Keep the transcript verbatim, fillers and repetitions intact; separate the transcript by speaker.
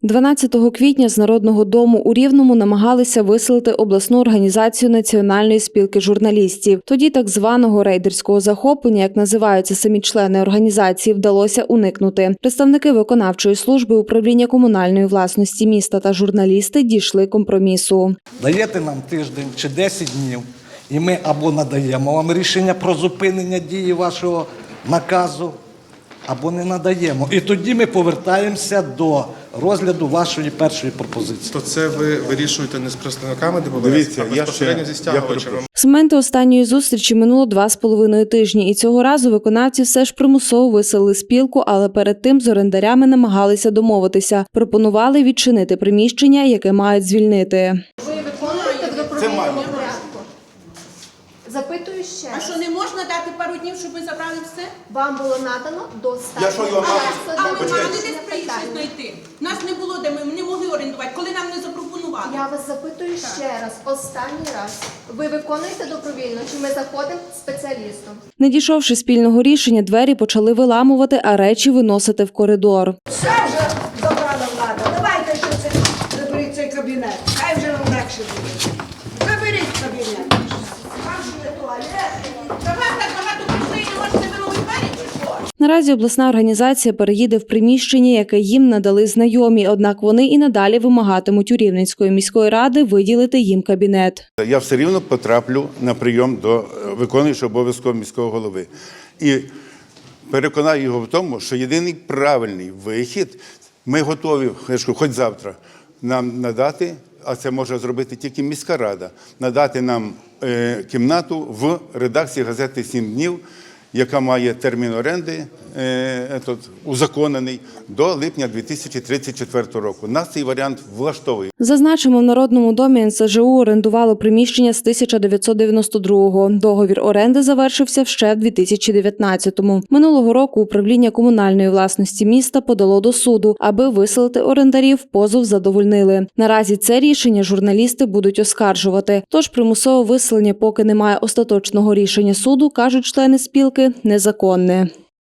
Speaker 1: дванадцятого квітня з Народного дому у Рівному намагалися виселити обласну організацію Національної спілки журналістів. Тоді так званого рейдерського захоплення, як називаються самі члени організації, вдалося уникнути. Представники виконавчої служби управління комунальної власності міста та журналісти дійшли компромісу.
Speaker 2: Даєте нам тиждень чи десять днів, і ми або надаємо вам рішення про зупинення дії вашого наказу, або не надаємо. І тоді ми повертаємося до розгляду вашої першої пропозиції.
Speaker 3: То це ви вирішуєте не з представниками ДБВС, а безпосередньо зі стягувачами?
Speaker 1: З моменту останньої зустрічі минуло два з половиною тижні, і цього разу виконавці все ж примусово виселили спілку, але перед тим з орендарями намагалися домовитися. Пропонували відчинити приміщення, яке мають звільнити.
Speaker 4: Ви виконуєте в добровільному порядку? Запитую ще.
Speaker 5: А що, не можна дати пару днів, щоб ви забрали все?
Speaker 4: Вам було надано достатньо.
Speaker 3: Я що, його мав?
Speaker 5: А ми мали десь приїхати знайти. Нас не було, де ми не могли орендувати, коли нам не запропонували.
Speaker 4: Я вас запитую ще раз, останній раз. Ви виконуєте добровільно, чи ми заходимо спеціалістом?
Speaker 1: Не дійшовши спільного рішення, двері почали виламувати, а речі виносити в коридор.
Speaker 6: Все вже забрала влада. Давайте ще це заберіть цей кабінет. Хай вже вам легше буде. Заберіть кабінет. Там же є туалет.
Speaker 5: Та вас так багато прийшли і не можете вимовити двері, чи що?
Speaker 1: Наразі обласна організація переїде в приміщення, яке їм надали знайомі, однак вони і надалі вимагатимуть у Рівненської міської ради виділити їм кабінет.
Speaker 7: Я все рівно потраплю на прийом до виконуючого обов'язку міського голови. І переконаю його в тому, що єдиний правильний вихід, ми готові, хоч завтра, нам надати, а це може зробити тільки міська рада, надати нам е, кімнату в редакції газети «Сім днів», яка має термін оренди е, тут, узаконений до липня дві тисячі тридцять четвертого року. Нас цей варіант влаштовує.
Speaker 1: Зазначимо, в Народному домі ен ес же у орендувало приміщення з тисяча дев'ятсот дев'яносто другого. Договір оренди завершився ще в дві тисячі дев'ятнадцятому. Минулого року управління комунальної власності міста подало до суду, аби виселити орендарів, позов задовольнили. Наразі це рішення журналісти будуть оскаржувати. Тож примусове виселення, поки немає остаточного рішення суду, кажуть члени спілки, незаконне.